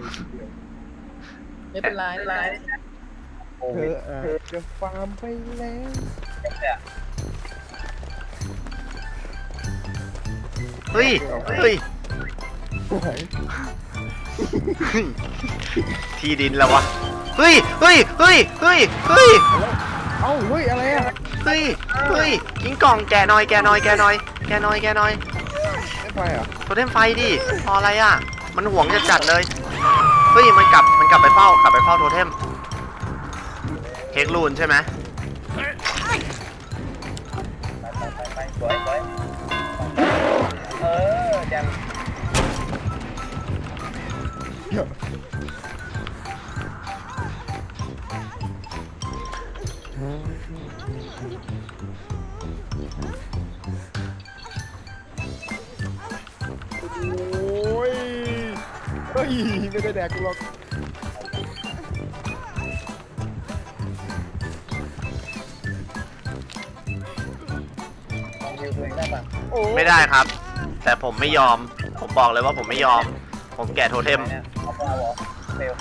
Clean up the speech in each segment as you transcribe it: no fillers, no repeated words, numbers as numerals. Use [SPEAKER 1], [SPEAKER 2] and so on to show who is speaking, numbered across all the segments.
[SPEAKER 1] ไม่เป็นไรไม่เป็นไร
[SPEAKER 2] เธออาจจะฟาร์มไปแล้ว
[SPEAKER 3] เฮ้ยเฮ้ยที่ดินแล้ววะเฮ้ยเฮ้ยเฮ้ยเฮ้ยเฮ้ย
[SPEAKER 2] เอ้าเฮ้ยอะไรอ่ะ
[SPEAKER 3] เฮ้ยเฮ้ยกิ้งก่องแกะหน่อยแกะหน่อยแกะหน่อยแกะหน่อยแกะหน่อย
[SPEAKER 2] ไม่ไปอ่ะ
[SPEAKER 3] โทเทมไฟดิพออะไรอ่ะมันห่วงจัดๆเลยเฮ้ยมันกลับไปเฝ้โทเทมเฮกลูนใช่ไหม
[SPEAKER 4] ไปสวยแจม
[SPEAKER 2] โอ้ยเฮ้ยไม่ได้แดกกูหรอก
[SPEAKER 4] ลองวิวตัวเองได้ป่ะ
[SPEAKER 2] โอ้
[SPEAKER 3] ไม่ได้ครับ แต่ผมไม่ยอมผมบอกเลยว่าผมไม่ยอมผมแกะโทเทม
[SPEAKER 4] เนี่ยเอาไปเอาเหรอเฟล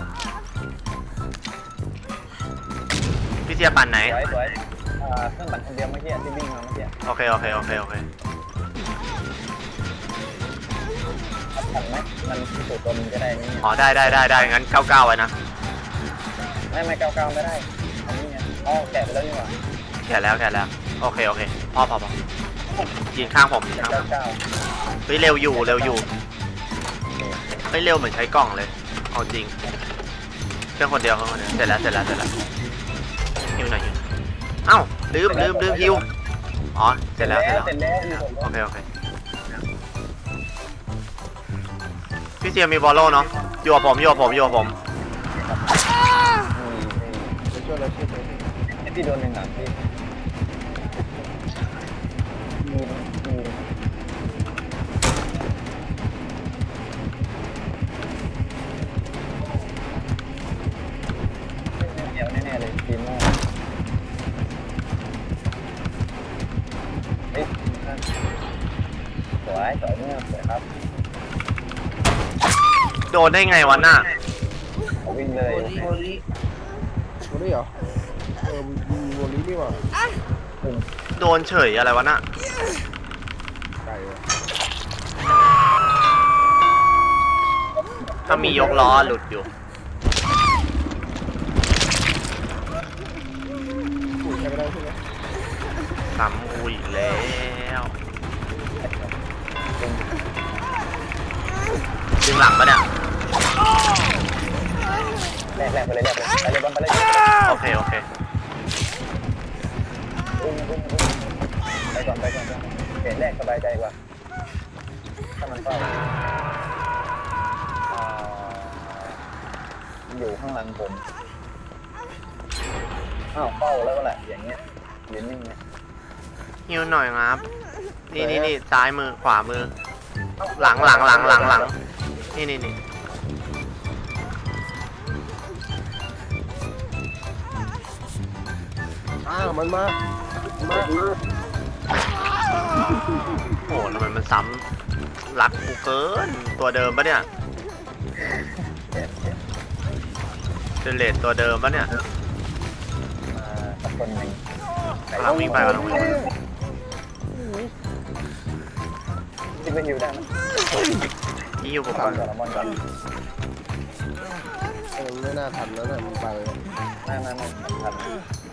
[SPEAKER 3] พี่เสียปั่นไหน
[SPEAKER 4] สวยเครื่องปั่นคนเดียวเมื่อกี้ที่วิ่งมาเมื่อกี้
[SPEAKER 3] โอเค
[SPEAKER 4] ปั่นไหมมันสูตรตัวมันจะได้นี่
[SPEAKER 3] อ๋อได้งั้น99ไว้นะ
[SPEAKER 4] ไม่99ไม่ได้อันนี้ไงอ๋อแกะไปแล้วนี่หว่า
[SPEAKER 3] แกะแล้วโอเคพอยืนข้างผมยืนข้างผม
[SPEAKER 4] 99
[SPEAKER 3] เฮ้ยเร็วอยู่เฮ้ยเร็วเหมือนใช้กล่องเลยเอาจริงเครื่องคนเดียวเสร็จแล้วฮิวหน่อยเอ้าลืมฮิวอ๋อเสร็จแล้วโอเคพี่เซียมีบอลโล่เนาะอยู่กับผม
[SPEAKER 2] ไปช่วยเราช่วย
[SPEAKER 4] พี่โดนหนึ่งหลังพี่เดี๋ยวแน่ๆเลยทีมโม่เฮ้ยสวยเนี่ยสวยครับ
[SPEAKER 3] โดนได้ไงวะน่ะ
[SPEAKER 4] วิ่งเลย
[SPEAKER 1] โอริ
[SPEAKER 2] โวลี่เหรอมีโวลี่นี่หว่า
[SPEAKER 3] โดนเฉยอะไรวะน่ะ
[SPEAKER 2] ไก่อะ
[SPEAKER 3] ถ้ามียกล้อหลุดอยู่
[SPEAKER 2] ปุ๋ยใช้ไม่ได้ใช่ไหม
[SPEAKER 3] ซ้ำกูอีกแล้วดึงหลังปะเนี่ย
[SPEAKER 4] แรกไปเลยบอลไปเลย
[SPEAKER 3] โอเค
[SPEAKER 4] อุ้มไปก่อนเปลี่ยนแรกสบายใจกว่าถ้ามันเฝ้าอยู่ข้างหลังผมอ้าวเฝ้าแล้วก็แหละอย่างเงี้ยยืนนิ่งไง
[SPEAKER 3] ฮิวหน่อยครับนี่ซ้ายมือขวามือหลังนี่
[SPEAKER 2] มันมา
[SPEAKER 3] โอ้ทำไมมันซ้ำรักกูเกินตัวเดิมปะเนี่ยเจเลตตัวเดิมปะเนี่ย
[SPEAKER 4] สักคนหนึ่ง
[SPEAKER 3] กำลังวิ่งไป
[SPEAKER 4] ที่ไปฮิวได้ไหม
[SPEAKER 3] ที่อยู่ผม
[SPEAKER 4] ก่
[SPEAKER 3] ก่
[SPEAKER 4] อ
[SPEAKER 3] อน น
[SPEAKER 4] บอลก่อน
[SPEAKER 2] ไม่น่าทันแล้วนะมันไป
[SPEAKER 4] ไม่ทัน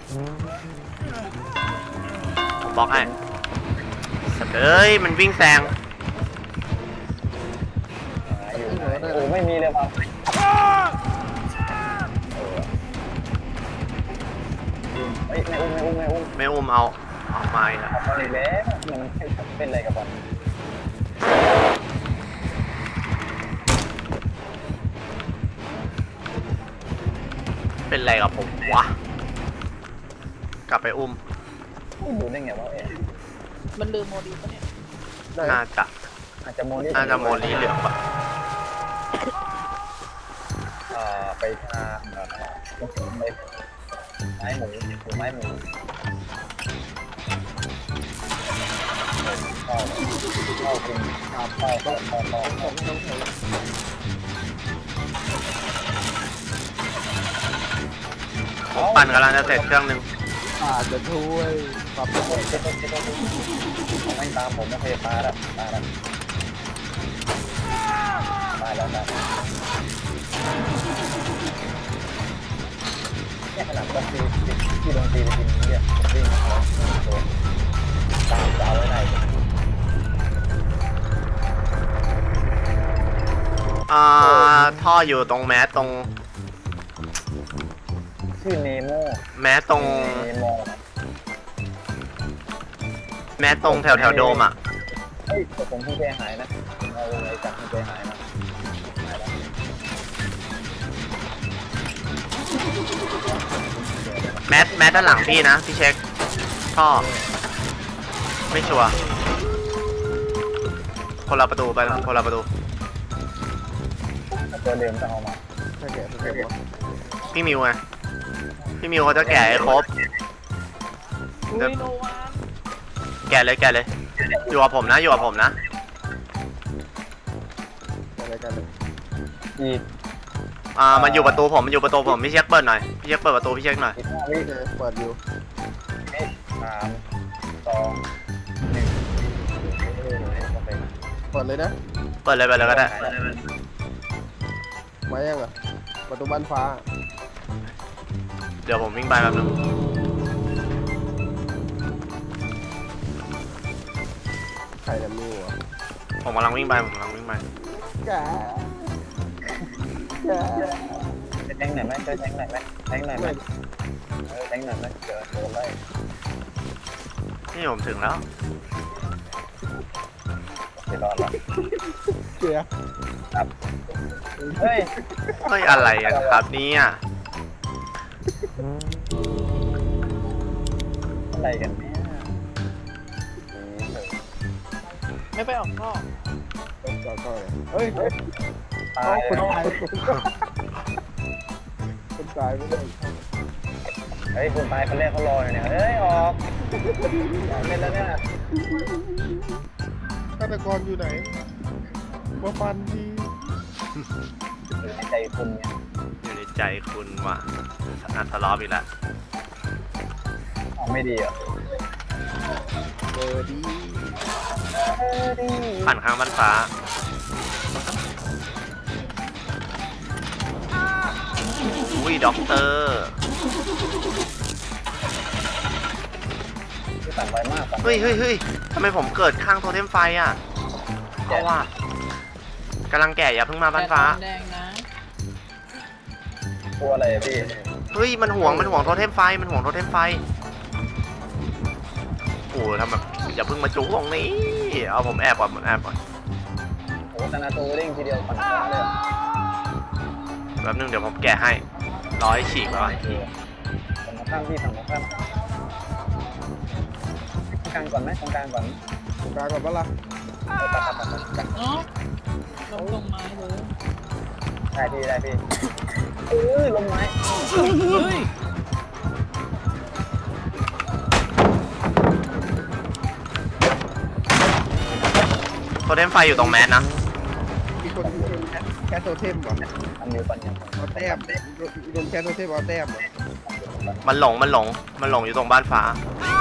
[SPEAKER 3] ผมบล็อกให้เอ้ยมันวิ่งแซง
[SPEAKER 4] อยู่โอ้ไม่มีเลยว่ะไม่อุ้ม
[SPEAKER 3] ไม่อุ้มเอามาอีกแล้ว
[SPEAKER 4] บอลอีกแล้วมันเป็นอะไรกับบอล
[SPEAKER 3] เป็นไรกับผมวะกลับไปอุ้ม
[SPEAKER 4] ดูได้ไงวะเอ๊ะ
[SPEAKER 1] มันลืมโมดีปะเนี่ย
[SPEAKER 3] น่าจะ
[SPEAKER 4] อาจจะโมลี่
[SPEAKER 3] โมลีเหลืองปะ
[SPEAKER 4] ไปทางไปไม้หมูเข้ากินเข้า
[SPEAKER 3] ผมปั่นกำลังจะเสร็จเครื่องหนึง
[SPEAKER 2] อาจจะช่วยปรับระบบ
[SPEAKER 4] ผมไม่ตามผมโอเคตายแล้วเนี่ยขนาดดนตรีที่ดนตรีไปทีนี้เนี่ยผมวิ่งมาตัวตามจะเอาไว้ได้
[SPEAKER 3] ท่ออยู่ตรงแมสตรง
[SPEAKER 4] ชื่อเนโม
[SPEAKER 3] แมสตรง
[SPEAKER 4] เนโม
[SPEAKER 3] แมสตรงแถวโดมอ่ะ
[SPEAKER 4] เฮ้ยแต่ผมเพิ่งใจหายนะเอาอะไรจากเพิ่งใจหายมาหายแล้ว
[SPEAKER 3] แมสด้านหลังพี่นะพี่เช็คท่อไม่ชัวร์คนละประตูไปนะคนละประตู
[SPEAKER 4] ตัวเดิมจะเอามา
[SPEAKER 2] ถ้าแกะถ้าแกะ
[SPEAKER 3] พี่มิวไงพี่มิวเขาจะแกะให้ครบ
[SPEAKER 1] อุ้ยโนวาน
[SPEAKER 3] แกะเลยอยู่กับผมนะอยู่กับผมนะ
[SPEAKER 2] อะไรกันเลย
[SPEAKER 4] อีก
[SPEAKER 3] มันอยู่ประตูผมพี่เช็คเปิดหน่อยพี่เช็คเปิดประตูพี่เช็คหน่อย
[SPEAKER 4] 5 วิ
[SPEAKER 2] โอเคเปิดอยู่
[SPEAKER 4] 3 2 1โอเค
[SPEAKER 2] เปิดเลยนะ
[SPEAKER 3] เปิดเลยก็ได้
[SPEAKER 2] มายังอ่ะประตูบ้านฟ้า
[SPEAKER 3] เดี๋ยวผมวิ่งไปแป๊บนึง
[SPEAKER 2] ใครจะมีวะ
[SPEAKER 3] ผมกำลังวิ่งไป
[SPEAKER 2] แกะแกะ
[SPEAKER 4] แทงหน่อยไหมช่วยแทงหน่อยไหมแทงหน่อยไหมแทงหน่อยไหมเดี๋ยวโดนไล่
[SPEAKER 3] นี่ผมถึงแล้ว
[SPEAKER 4] ไม่รอดแล้ว
[SPEAKER 2] เกียร์
[SPEAKER 4] เฮ้ย
[SPEAKER 3] เฮ้ยอะไรกันครับเนี่ย
[SPEAKER 4] อะไรกันเนี่ย
[SPEAKER 1] ไม่ไปออกท่อ
[SPEAKER 2] จอดก่อนเฮ้ย
[SPEAKER 4] ตาย
[SPEAKER 2] คน
[SPEAKER 4] เลย
[SPEAKER 2] ตายคนตายไม่ได้
[SPEAKER 4] เฮ้ยคนตายคนแรกเขารออยู่เนี่ยเฮ้ยออกเล่นแล้วเนี่ย
[SPEAKER 2] ฆาตกรอยู่ไหนมาฟันที
[SPEAKER 4] ในใจคุณเนี่ย
[SPEAKER 3] อยู่ในใจคุณว่ะอันทะเลาะอีกแล้ว
[SPEAKER 4] ออกไม่ดีเหรอ
[SPEAKER 2] เบอร์ดี
[SPEAKER 3] ปั่นข้างบ้านฟ้า อุ้ยด็อกเตอร์
[SPEAKER 4] ที่ตัดไวมาก
[SPEAKER 3] เฮ้ยทำไมผมเกิดข้างโทเทมไฟอ่ะเพราะว่า กำลังแก่อย่าเพิ่งมาบ้านฟ้า
[SPEAKER 1] แดงนะ
[SPEAKER 4] ตัวอะไรพี่
[SPEAKER 3] เฮ้ยมันห่วงโทเทมไฟโอ้ทำแบบอย่าเพิ่งมาจุกตรงนี้เอาผมแอบก่อน
[SPEAKER 4] โอ้ธนาโตเร่งทีเดียวปั่นฟ้าเลย
[SPEAKER 3] แป๊บนึงเดี๋ยวผมแกะให้ฉีกแล้ว
[SPEAKER 4] ฝั่งข้างพี่ฝั่งข้างกลางก่อนไหมตรงกลางก่อน
[SPEAKER 2] ตรงกลางก่อนปะล่ะ
[SPEAKER 1] เนาะลงตรงไม้เลย
[SPEAKER 4] ได้พี่ลงไม้
[SPEAKER 1] เฮ้ย
[SPEAKER 3] โทเทมไฟอยู่ตรงแมสนะ
[SPEAKER 2] มีคนแคทโทเทมก่อน
[SPEAKER 4] ทำอยู่ปัญญา
[SPEAKER 2] เอาแต้มโดนแคทโทเทมเอาแต้ม
[SPEAKER 3] มันหลงอยู่ตรงบ้านฟ้า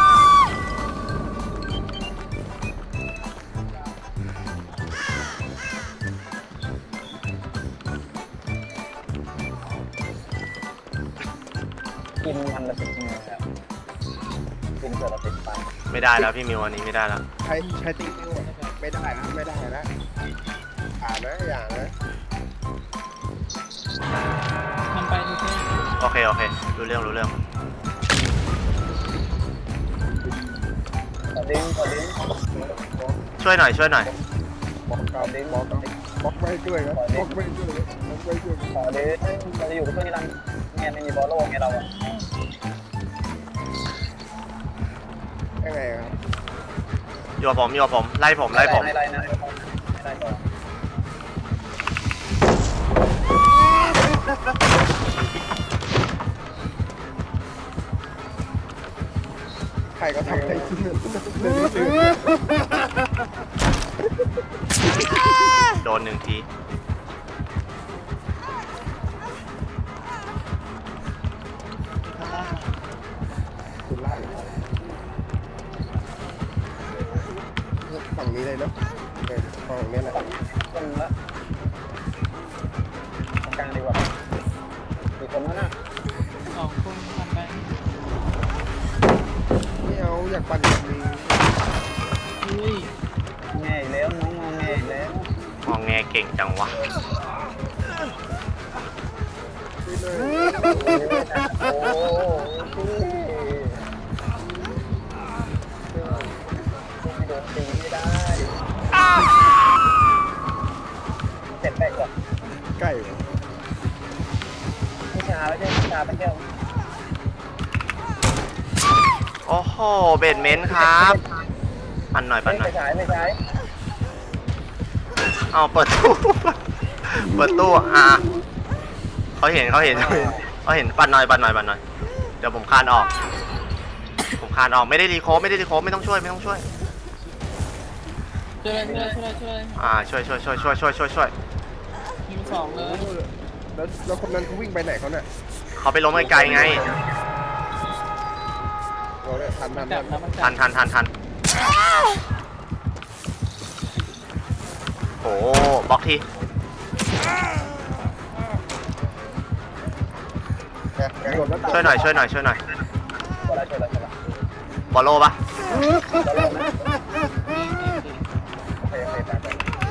[SPEAKER 4] กินมันละ10 มือครับกินเสือละ10 ปัน
[SPEAKER 3] ไม่ได้แล้วพี่มิวอันนี้ไม่ได้แล้ว
[SPEAKER 2] ใช้ติ๊กนิ้วไม่ได้นะอ่านนะอย่างนะ
[SPEAKER 1] มันไปทุกที่
[SPEAKER 3] โอเครู้เรื่อง
[SPEAKER 4] ขอดิ้ง
[SPEAKER 3] ช่วยหน่อย
[SPEAKER 2] บอกเก่าบอกไม่ช่วยนะบอกไม่ช่วย
[SPEAKER 4] ขอดิ้งเราจะอยู่กับเพื่อนที่รันเนี่ยไม่มีบอลโล่ไงเราอะ
[SPEAKER 2] ยังไงครับ
[SPEAKER 3] อยู่กับผมไล่ผม
[SPEAKER 4] ไล่นะไม่ไล่ก่อน
[SPEAKER 2] ใครก็ทำได้จริง
[SPEAKER 3] โดน1 ที
[SPEAKER 1] ข้างล่าง
[SPEAKER 2] นี่เลย
[SPEAKER 4] โอ้ไม่โดนตีไม่ได้เสร็จไปก่อน
[SPEAKER 2] ใกล้เหรอ
[SPEAKER 4] วิชาไม่ใช่วิชาเป็นแก้ว
[SPEAKER 3] โอ้โหเบดเมนต์ครับปั่นหน่อยปั่นหน่อย
[SPEAKER 4] ไม่ใช้ไม่ใช้
[SPEAKER 3] เอาเปิดตู้ เปิดตู้เขาเห็นปั่นหน่อยปั่นหน่อยปั่นหน่อยเดี๋ยวผมคานออกไม่ได้รีโคฟไม่ต้องช่วย
[SPEAKER 1] ช่วยเลยช่วยยิงสองเลย
[SPEAKER 2] แล้วคนนั้นเขาวิ่งไปไหนเขาเนี่ย
[SPEAKER 3] เขาไปล้มไกลๆไง
[SPEAKER 2] เราเนี่ยทัน
[SPEAKER 1] มันกัดนะมันกัด
[SPEAKER 3] ทันโอ้บล็อกที
[SPEAKER 2] โดดแล้ว
[SPEAKER 3] ช่วยหน่อย
[SPEAKER 4] ช่วยแล้ว
[SPEAKER 3] บอลโลปะ
[SPEAKER 4] โอเคไป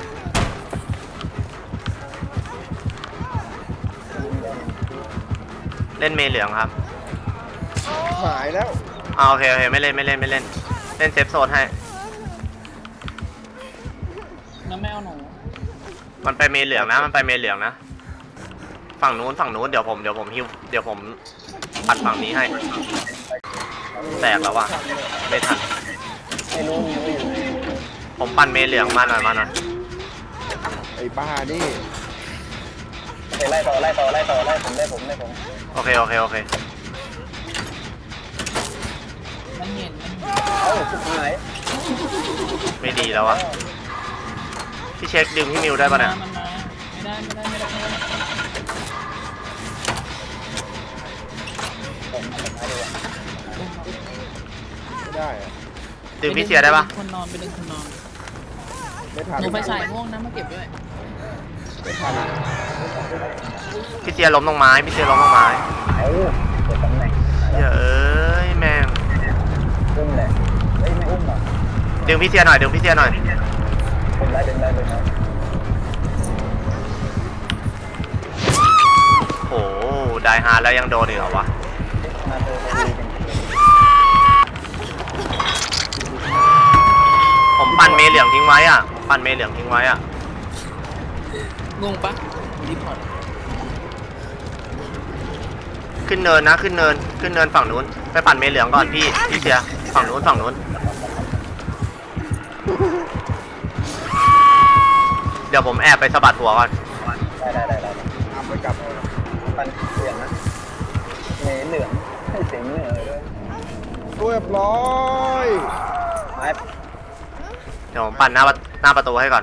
[SPEAKER 3] เล่นเมย์เหลืองครับ
[SPEAKER 2] หายแล้ว
[SPEAKER 3] โอเคไม่เล่นเล่นเซฟโซนให้
[SPEAKER 1] น้ำแมวหนู
[SPEAKER 3] มันไปเมย์เหลืองนะฝั่งนู้นเดี๋ยวผมฮิวเดี๋ยวผมปัดฝั่งนี้ให้แตกแล้วว่ะไม่ทัน
[SPEAKER 4] ไม่รู้อยู่
[SPEAKER 3] ผมปั่นเมย์เหลืองมาหน่อย
[SPEAKER 2] ไอ้บ้านี่
[SPEAKER 4] โอเคไล่ต่อผม
[SPEAKER 3] โอเค
[SPEAKER 1] มันเห็น
[SPEAKER 4] เอ้าสุดท้าย
[SPEAKER 3] ไม่ดีแล้ววะพี่เช็คดึงพี่มิวได้ปะเนี่ย
[SPEAKER 1] มันมาไม่ได้
[SPEAKER 4] ผมสุดท้ายดีกว่า
[SPEAKER 2] ไม่ได้อะ
[SPEAKER 3] ดึงพี่เชียร์ได้ปะ
[SPEAKER 1] คนนอนไปดึงคนนอน
[SPEAKER 2] ไม่ทัน
[SPEAKER 1] หนูไฟฉายม่วงนะมาเก็บด้วย
[SPEAKER 2] ไม่ทัน
[SPEAKER 3] พี่เชียร์ล้มลงไม้
[SPEAKER 4] เอ้าเปิดตำแหน่ง
[SPEAKER 3] เอ้ยแม่ง
[SPEAKER 4] อุ้มเลยเฮ้ยไม่อุ้มหรอ
[SPEAKER 3] ดึงพี่เชียร์หน่อย
[SPEAKER 4] ผมได้ดึงได้
[SPEAKER 3] โอ้ได้ฮาร์ดแล้วยังโดนอีกเหรอวะ
[SPEAKER 4] มาเจอพอดี
[SPEAKER 3] ผมปั่นเมย์เหลืองทิ้งไว้อ่ะ
[SPEAKER 1] งงปะรีพอร์ต
[SPEAKER 3] ขึ้นเนินฝั่งนู้นไปปั่นเมย์เหลืองก่อนพี่เชียร์ฝั่งนู้นเดี๋ยวผมแอบไปสะบัดหัวก่อน
[SPEAKER 4] ได้
[SPEAKER 2] เอาไปกลับ
[SPEAKER 4] ปันเสียงนะเมเหลืองให้เสียงเหนือด้วย
[SPEAKER 2] เรียบร้อย
[SPEAKER 4] ไม้
[SPEAKER 3] เดี๋ยวผมปั่นหน้าประตูให้ก่อน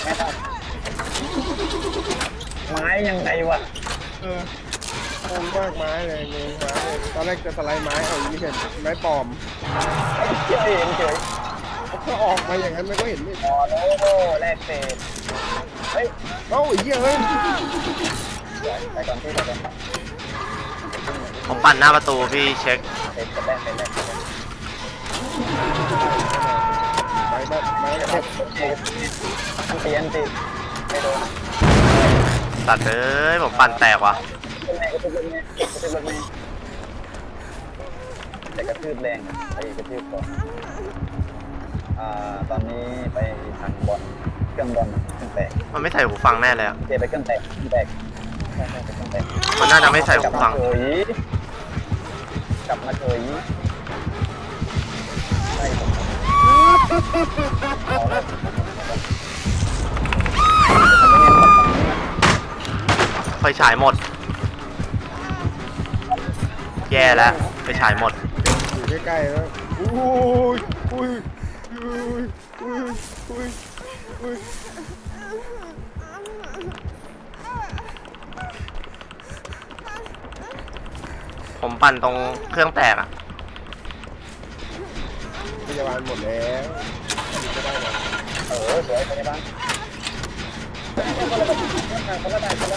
[SPEAKER 4] ไม้ยังไงวะ
[SPEAKER 2] งงมากไม้เลยตอนแรกจะสไลด์ไม้ไม่เห็นไม้ปลอม
[SPEAKER 4] เฉย
[SPEAKER 2] ถ้าออกมาอย่างนั้นมันก็เห็นไม่
[SPEAKER 4] อ๋อโน้แรกเศษเฮ้ย
[SPEAKER 2] เอ้าไอ้เหี้ยเฮ้ย
[SPEAKER 4] ไปก่อนที่ไปก่อน
[SPEAKER 3] ผมปั่นหน้าประตูพี่เช็ค
[SPEAKER 4] เศษแรก
[SPEAKER 2] ไม้เจ็บ
[SPEAKER 4] เตียนติดไม่โดน
[SPEAKER 3] ตัดเลยผมปั่นแตกว่ะ
[SPEAKER 4] กระทืบรถเมย์แต่กระทืบแรงไปกระทืบก่อนตอนนี้ไปทางบอลเครื่องบอลเครื่องแตก
[SPEAKER 3] มันไม่ใส่หูฟังแน่เลยอะ
[SPEAKER 4] เจไปเครื่องแตกใช่เครื่องแตก
[SPEAKER 3] มันน่าจะไม่ใส่หูฟัง
[SPEAKER 4] กลับมาเฉยใช่ผมเอาละ
[SPEAKER 3] ไฟฉายหมด แย่แล้วไฟฉายหมด
[SPEAKER 2] อยู่ใกล้ๆแล้วอุ้ย
[SPEAKER 3] ผมปั่นตรงเครื่องแตกอะ
[SPEAKER 2] พยาบาลหมดแล้วไม่ได้หรอก
[SPEAKER 4] สวยไปในบ้านคนละหน้าตา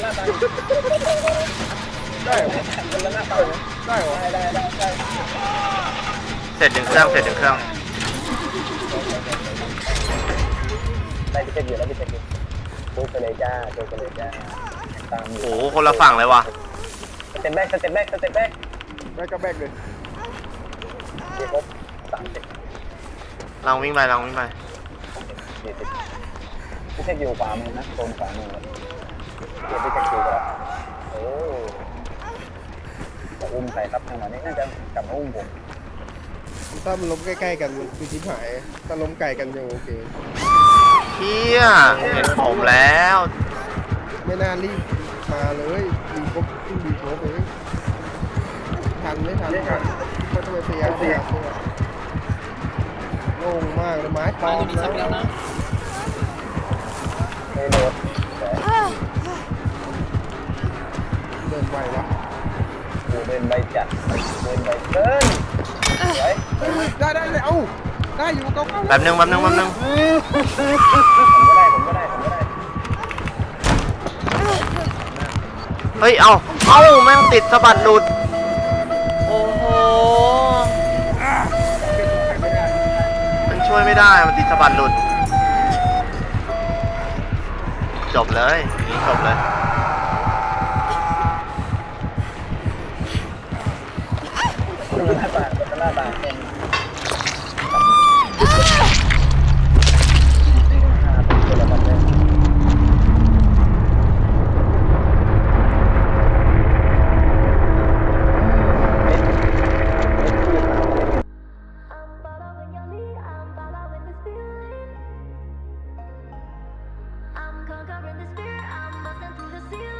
[SPEAKER 2] ได้เหรอ
[SPEAKER 4] คนละหน้าตา
[SPEAKER 2] ได้เหรอ
[SPEAKER 4] ได้
[SPEAKER 3] เสร็จถึงเครื่อง
[SPEAKER 4] ได้พิเศษอยู่แล้วพิเศษอยู่จุกไปเลยจ้าจุกไปเลยจ้าตาม
[SPEAKER 3] โอ้โหคนละฝั่งเลยว่ะ
[SPEAKER 4] สเต็ปแบ็กสเต็ปแบ็กสเต็ปแบ็ก
[SPEAKER 2] แบกก็แบกเลย
[SPEAKER 4] ที่ครบ30
[SPEAKER 3] เราวิ่งไปเราวิ่งไป
[SPEAKER 4] 40พี่เช็คอยู่ขวามือนะโซนขวามือเดี๋ยวพี่เช็คอยู่แล้วโอ้จะอุ้มใครครับทางไหนนี่น่าจะกลับมาอุ้มผม
[SPEAKER 2] ถ้ามันล้มใกล้ๆกันคือชิบหายถ้าล้มไกลกันยังโอเค
[SPEAKER 3] เฮียเห็นผมแล้ว
[SPEAKER 2] ไม่น่ารีบมาเลยดีครบขึ้นดีครบเลยทันไม่ทันก็ต้องไปพยายามโล่งมากเลยไม้ตอมแล้ว
[SPEAKER 4] ไม่โดดแต่
[SPEAKER 2] เดินไหววะ
[SPEAKER 4] เดินใบจัดเดินใบเกินสวย
[SPEAKER 2] ได้เลยเอ้าได้อยู่เก้า
[SPEAKER 3] แป๊บนึง
[SPEAKER 4] ผมก็ได้
[SPEAKER 3] เฮ้ย เอาแม่งติดสะบัดหลุด โอ้โห มันช่วยไม่ได้ มันติดสะบัดหลุด จบเลยนี่จบเลย
[SPEAKER 4] หน้าตาเป็นตัวละครเลย
[SPEAKER 5] I'm conquering the spirit, I'm busting through the ceiling.